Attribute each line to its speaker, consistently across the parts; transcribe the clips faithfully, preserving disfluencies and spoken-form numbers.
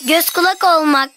Speaker 1: Göz kulak olmak.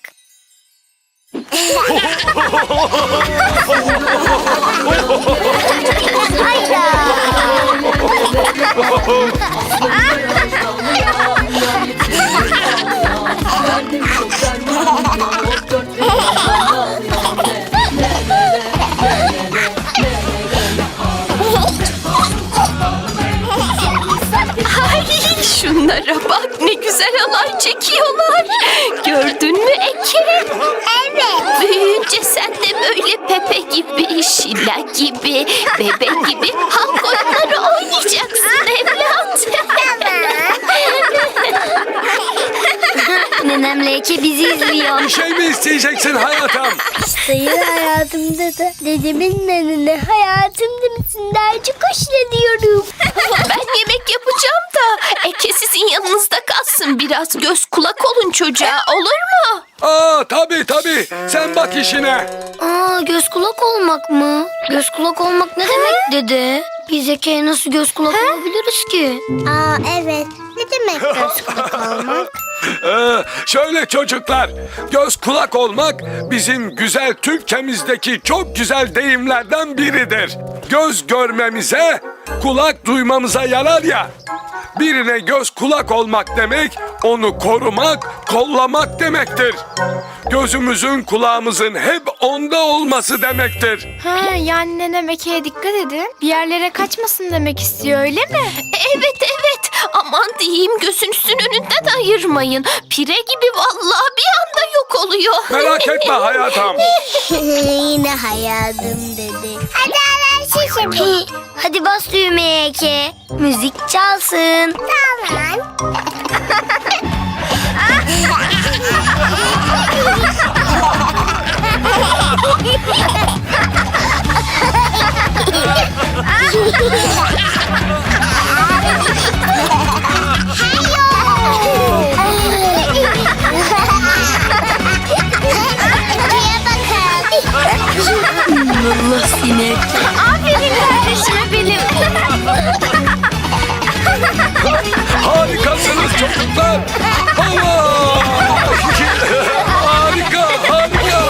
Speaker 2: Ay, şunlara bak, ne güzel halay çekiyorlar. Gördün mü Eke?
Speaker 1: Evet.
Speaker 2: Büyüyünce sen de böyle Pepe gibi, Şila gibi, Bebe gibi halk oyunları oynayacaksın evlat.
Speaker 1: Nenemle Eke bizi izliyor.
Speaker 3: Bir şey mi isteyeceksin hayatım?
Speaker 1: Sayın hayatımda da dedemin nenene hayatımda mısın derce koşla diyorum.
Speaker 2: Ben yemek yapacağım da Eke sizin yanınızda kalsın, biraz göz kulak olun çocuğa, olur mu?
Speaker 3: Aa tabii tabii. Sen bak işine.
Speaker 1: Aa, göz kulak olmak mı? Göz kulak olmak ne demek dede? Biz Eke'ye nasıl göz kulak olabiliriz ki?
Speaker 4: Aa evet. Ne demek göz kulak olmak?
Speaker 3: Ee, şöyle çocuklar, göz kulak olmak bizim güzel Türkçemizdeki çok güzel deyimlerden biridir. Göz görmemize, kulak duymamıza yarar ya. Birine göz kulak olmak demek, onu korumak, kollamak demektir. Gözümüzün, kulağımızın hep onda olması demektir.
Speaker 5: Ha, yani nenem Eke'ye dikkat edin. Bir yerlere kaçmasın demek istiyor, öyle mi?
Speaker 2: Evet evet, aman diyeyim, gözünüzün önünden ayırmayın. Pire gibi vallahi bir anda yok oluyor.
Speaker 3: Merak etme hayatım.
Speaker 4: Yine hayatım dedi. Hadi ara şişe.
Speaker 1: Hadi bas düğmeye Eke. Müzik çalsın.
Speaker 4: Tamam.
Speaker 1: Allah seni.
Speaker 5: Aferin kardeşime benim.
Speaker 3: Harikasınız çocuklar. Allah! Harika, harika.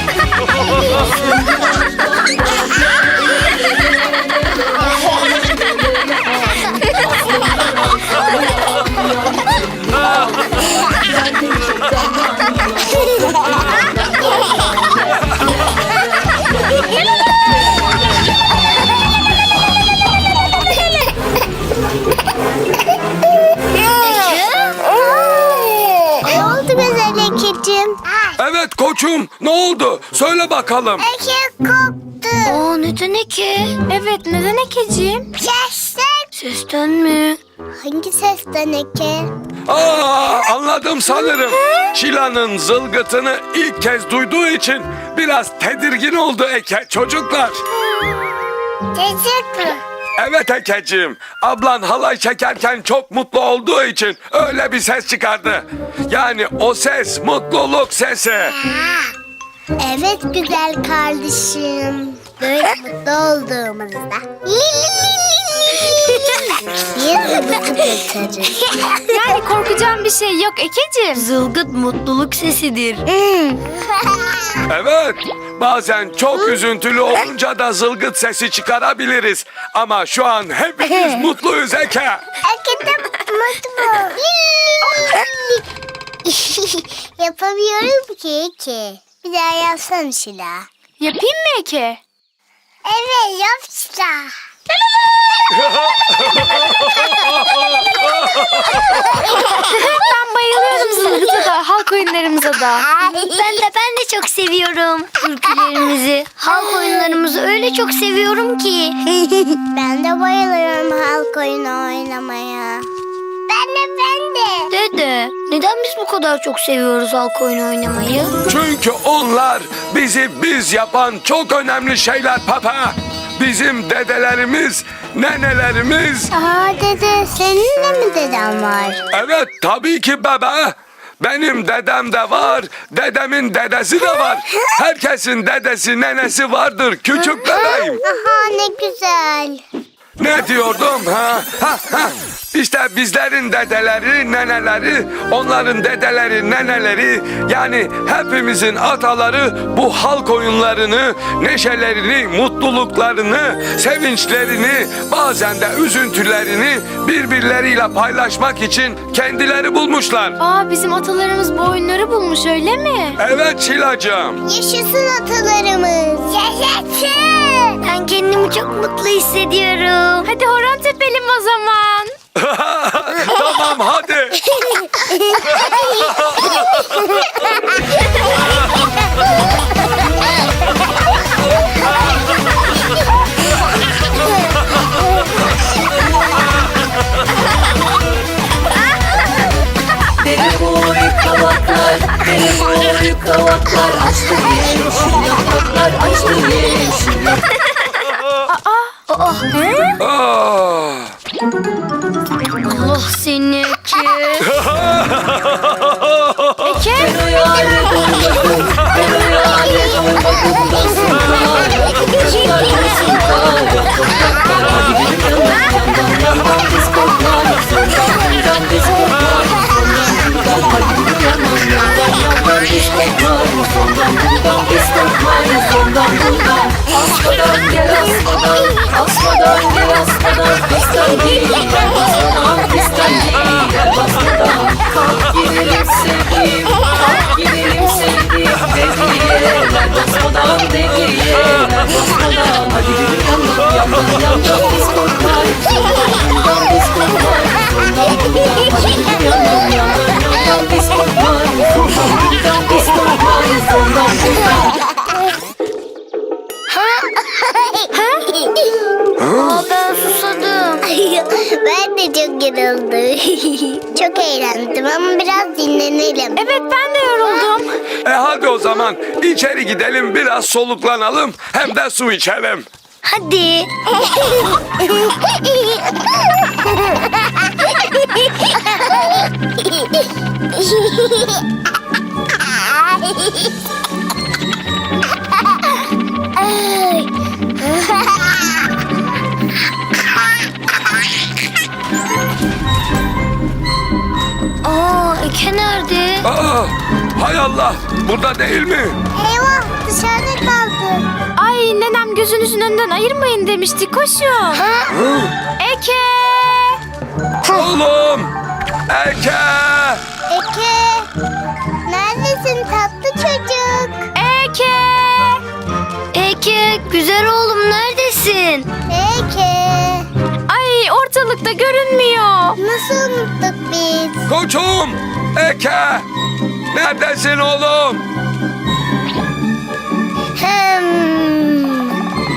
Speaker 4: Ne oldu güzel Ekeciğim?
Speaker 3: Evet koçum, ne oldu? Söyle bakalım.
Speaker 4: Eke koptu.
Speaker 1: Aa, neden Eke?
Speaker 5: Evet, neden Ekeciğim?
Speaker 4: Sesten.
Speaker 1: Sesten mi?
Speaker 4: Hangi sesten Eke?
Speaker 3: Aa, anladım sanırım. Şila'nın zılgıtını ilk kez duyduğu için biraz tedirgin oldu Eke çocuklar.
Speaker 4: Çocuk mu?
Speaker 3: Evet Ekeciğim, ablan halay çekerken çok mutlu olduğu için öyle bir ses çıkardı. Yani o ses mutluluk sesi.
Speaker 4: Evet güzel kardeşim. Böyle mutlu olduğumuzda. Bir zıbıtı götürürüz.
Speaker 5: Yani korkacağım bir şey yok Ekeciğim.
Speaker 1: Zılgıt mutluluk sesidir.
Speaker 3: Evet, bazen çok üzüntülü olunca da zılgıt sesi çıkarabiliriz. Ama şu an hepimiz mutluyuz Eke.
Speaker 4: Eke de mutlu. Yapamıyorum ki Eke. Bir daha yapsana Şila.
Speaker 5: Yapayım mı Eke?
Speaker 4: Evet yap Şila.
Speaker 5: Ben bayılıyorum zılgıta da, halk oyunlarımıza da.
Speaker 1: Ben de ben de çok seviyorum türkülerimizi. Halk oyunlarımızı öyle çok seviyorum ki.
Speaker 4: Ben de bayılıyorum halk oyunu oynamaya. Ben de ben de.
Speaker 1: Dede, neden biz bu kadar çok seviyoruz halk oyunu oynamayı?
Speaker 3: Çünkü onlar bizi biz yapan çok önemli şeyler papa. Bizim dedelerimiz, nenelerimiz.
Speaker 4: Aa dede senin de mi deden var?
Speaker 3: Evet tabii ki bebe. Benim dedem de var, dedemin dedesi de var. Herkesin dedesi, nenesi vardır küçük bebeğim.
Speaker 4: Aha ne güzel.
Speaker 3: Ne diyordum ha? Ha ha. İşte bizlerin dedeleri, neneleri, onların dedeleri, neneleri, yani hepimizin ataları bu halk oyunlarını, neşelerini, mutluluklarını, sevinçlerini, bazen de üzüntülerini birbirleriyle paylaşmak için kendileri bulmuşlar.
Speaker 5: Aa, bizim atalarımız bu oyunları bulmuş, öyle mi?
Speaker 3: Evet Şilacığım.
Speaker 4: Yaşasın atalarımız. Yaşasın.
Speaker 1: Ben kendimi çok mutlu hissediyorum.
Speaker 5: Hadi horon tepelim o zaman.
Speaker 3: Tamam hadi.
Speaker 6: Dere boyu kavaklar, dere boyu kavaklar, açtı yeşil yapraklar, açtı yeşil yapraklar.
Speaker 3: Ah.
Speaker 1: Allah seni ki.
Speaker 5: Eke?
Speaker 6: Ben o yâre doymadım, ben o yâre doymadım da sunlar, yapraklar olsun kar, yapraklar. Hadi bir yandan yandan yandan biz koklar, sondan bundan biz koklar, sondan bundan. Hadi bir yandan yandan yandan biz koklar, sondan bundan biz koklar, sondan bundan. Asmadan gel asmadan, asmadan gel asmadan, pistten değil, basmadan, pistten değil, basmadan. Kalk gidelim sevdiğim, kalk gidelim sevdiğim, dediyeler basmadan, dediyeler basmadan. Hadi bir yandan yandan yandan biz korkar, sondan bundan biz korkar, sondan bundan. Hadi bir yandan yandan yandan biz korkar, sondan bundan biz korkar, sondan bundan.
Speaker 1: Aa, ben susadım.
Speaker 4: Ben de çok yoruldum. Çok eğlendim ama biraz dinlenelim.
Speaker 5: Evet, ben de yoruldum.
Speaker 3: E hadi o zaman içeri gidelim, biraz soluklanalım, hem de su içelim.
Speaker 1: Hadi. Aa, Eke nerede?
Speaker 3: Aa, hay Allah, burada değil mi?
Speaker 4: Eyvah, dışarıda kaldı.
Speaker 5: Ay, nenem gözünüzün önünden ayırmayın demişti, koşun.
Speaker 3: Hı?
Speaker 5: Eke!
Speaker 3: Oğlum! Eke!
Speaker 4: Eke, neredesin tatlı çocuk?
Speaker 5: Eke!
Speaker 1: Eke, güzel oğlum neredesin?
Speaker 4: Eke,
Speaker 5: Ay, ortalıkta görünmüyor.
Speaker 4: nasıl unuttuk biz?
Speaker 3: Koçum! Eke! Neredesin oğlum?
Speaker 1: Hmm.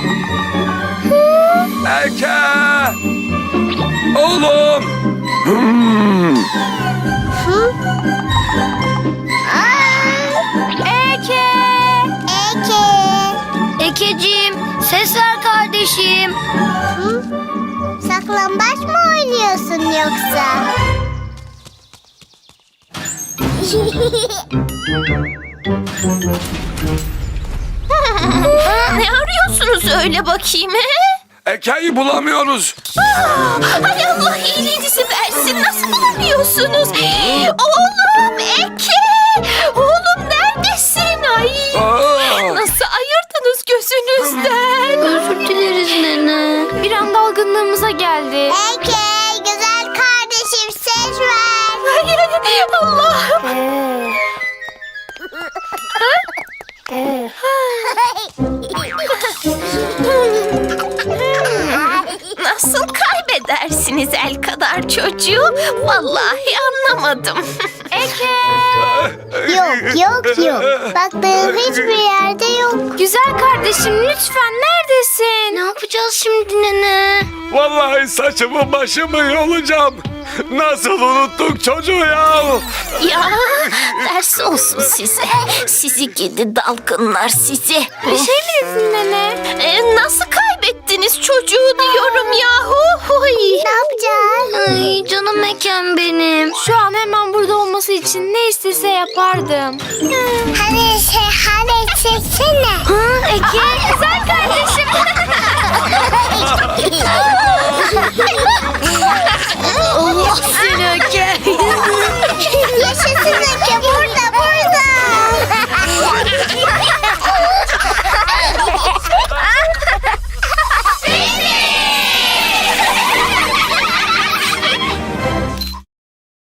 Speaker 3: Eke! Oğlum! Hmm.
Speaker 5: Eke!
Speaker 4: Eke,
Speaker 1: Ekeciğim, ses ver kardeşim.
Speaker 4: saklambaç mı oynuyorsun yoksa?
Speaker 2: Ne arıyorsunuz öyle bakayım he?
Speaker 3: Eke'yi bulamıyoruz.
Speaker 2: Hay Allah iyiliğinizi versin. Nasıl bulamıyorsunuz? Oğlum Eke! Oğlum neredesin? Ay!
Speaker 3: Aa,
Speaker 2: Nasıl ayırdınız gözünüzden?
Speaker 1: Özür dileriz nene.
Speaker 5: Bir an dalgınlığımıza geldi.
Speaker 4: Eke, güzel kardeşim ses ver.
Speaker 2: Ay, ay, Allah'ım! Nasıl kaybedersiniz el kadar çocuğu? Vallahi anlamadım.
Speaker 5: Eke!
Speaker 4: Yok, yok, yok. Baktığım hiçbir yerde yok.
Speaker 5: Güzel kardeşim, lütfen neredesin?
Speaker 1: Ne yapacağız şimdi nene?
Speaker 3: vallahi saçımı başımı yolacağım. Nasıl unuttuk çocuğu ya?
Speaker 2: Ya ders olsun size. Sizi gidi dalgınlar sizi.
Speaker 5: Bir şey mi dedin nene?
Speaker 2: Ee, nasıl kaybettiniz çocuğu diyorum yahu. Huy.
Speaker 4: Ne yapacağız?
Speaker 1: Ay canım Ekem benim.
Speaker 5: Şu an hemen burada olması için ne istese yapardım.
Speaker 4: Hadi şey, hadi çeksene.
Speaker 1: Ha Eke.
Speaker 5: Güzel kardeşim.
Speaker 6: Ece.